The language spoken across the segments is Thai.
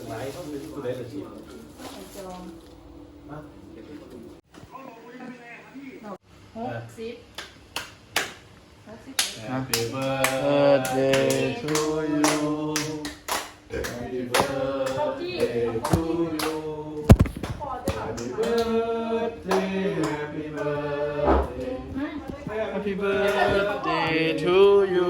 หลายเขาเป็นผู้ใดละสิจอง60 Happy birthday to you Happy birthday to you Happy birthday Happy birthday Happy birthday to you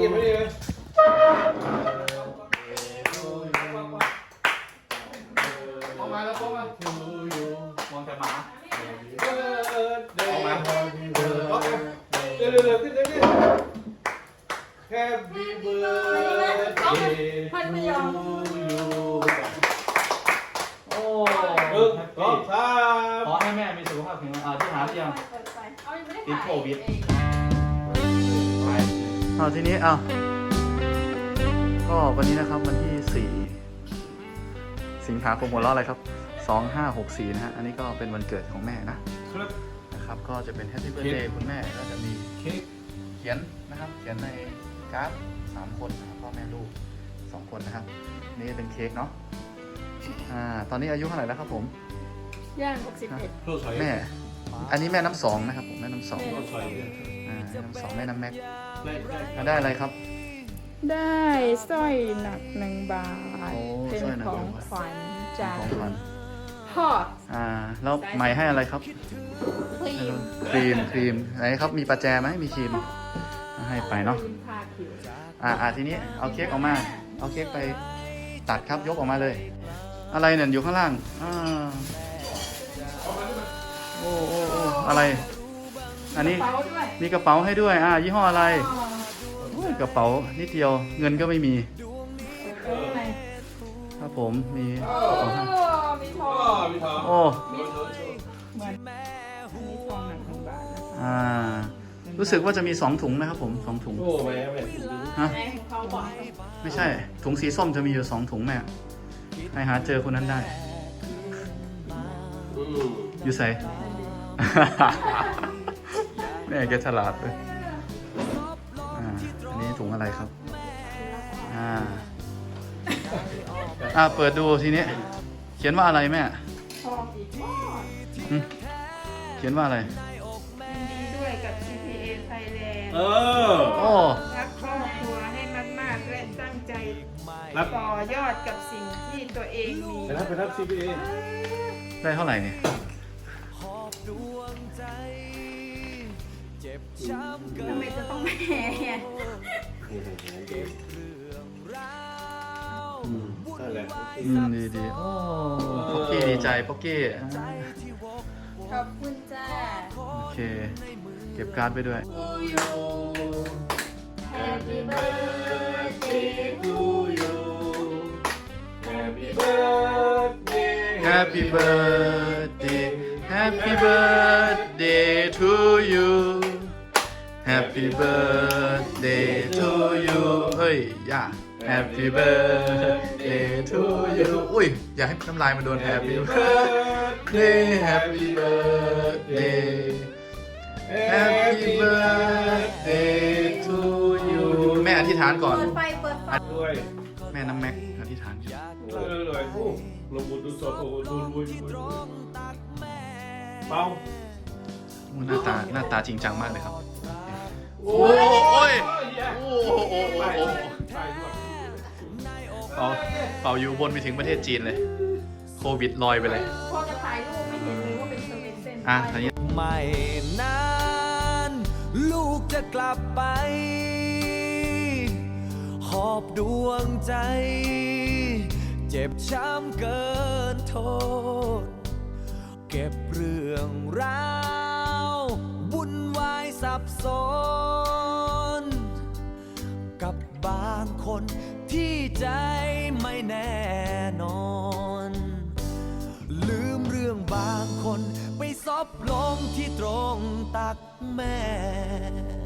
มาแล้วเข้ามา to you มองแต่หมา Happy birthday Happy birthday เร็วๆขึ้นเร็วๆ Happy birthday to you โอ้ก็ขอให้แม่มีสุขภาพแข็งแรงที่หาที่ยังติดโควิดเอาทีนี้ก็วันนี้นะครับวันที่4 สิงหาคมหัวเราะอะไรครับ2564นะฮะอันนี้ก็เป็นวันเกิดของแม่นะครับก็จะเป็น Happy Birthday คุณแม่ก็จะมีเค้กเขียนนะครับเขียนในการ์ด3 คนนะครับพ่อแม่ลูก2 คนนะครับนี่เป็นเค้กเนาะตอนนี้อายุเท่าไหร่แล้วครับผมย่าง61 แม่อันนี้แม่น้ำ2นะครับผมแม่น้ำ2แม่น้ำ2แม่น้ำแม็กได้อะไรครับได้สร้อยหนัก1 บาทเป็นของขวัญจากพ่อแล้วใหม่ให้อะไรครับครีมไหนครับมีประแจไหมมีครีมให้ไปเนาะทีนี้เอาเค้กออกมาเอาเค้กไปตัดครับยกออกมาเลยอะไรเนี่ยอยู่ข้างล่างโอ้อะไรอันนี้มีกระเป๋าให้ด้วยยี่ห้ออะไรกระเป๋านิดเดียวเงินก็ไม่มีครับผมมีโอ้เหมือนอันนี้ทองหนัก1 บาทรู้สึกว่าจะมี2 ถุงนะครับผม2 ถุงฮะไม่ใช่ถุงสีส้มจะมีอยู่2 ถุงแม่ให้หาเจอคนนั้นได้อยู่ใส่แม่แกฉลาดเลยอันนี้ถุงอะไรครับเปิดดูทีนี้เขียนว่าอะไรแม่เขียนว่าอะไรดีด้วยกับ CPA Thailand รักครอบครัวให้มากๆและตั้งใจต่อยอดกับสิ่งที่ตัวเองมีไปรับ CPA ได้เท่าไหร่เนี่ยทำไมจะต้องแม่ดีโอ้ป๊อกกี้ดีใจป๊อกกี้ขอบคุณจ้าโอเคเก็บการ์ดไปด้วย Happy birthday to you Happy birthday Happy birthday Happy birthday to you Happy birthday to you เฮ้ยย่าHappy birthday to you อุ้ยอยากให้น้ำลายมันโดน Happy birthday Happy birthday Happy birthday to you แม่อธิษฐานก่อนเปิดไฟด้วยแม่น้ำแม็กอธิษฐานเลยลงบุญดูสดโอ้ดูรวยเป้าหน้าตาจริงจังมากเลยครับโอ้ยเป่าอยู่บนไปถึงประเทศจีนเลยโควิดลอยไปเลยพอจะถ่ายรูปไม่เห็นเลยว่าเป็นเส้นอันนี้ไม่นานลูกจะกลับไปหอบดวงใจเจ็บช้ำเกินโทษเก็บเรื่องราววุ่นวายสับสนกับบางคนที่ใจไม่แน่นอนลืมเรื่องบางคนไปซบลงที่ตรงตักแม่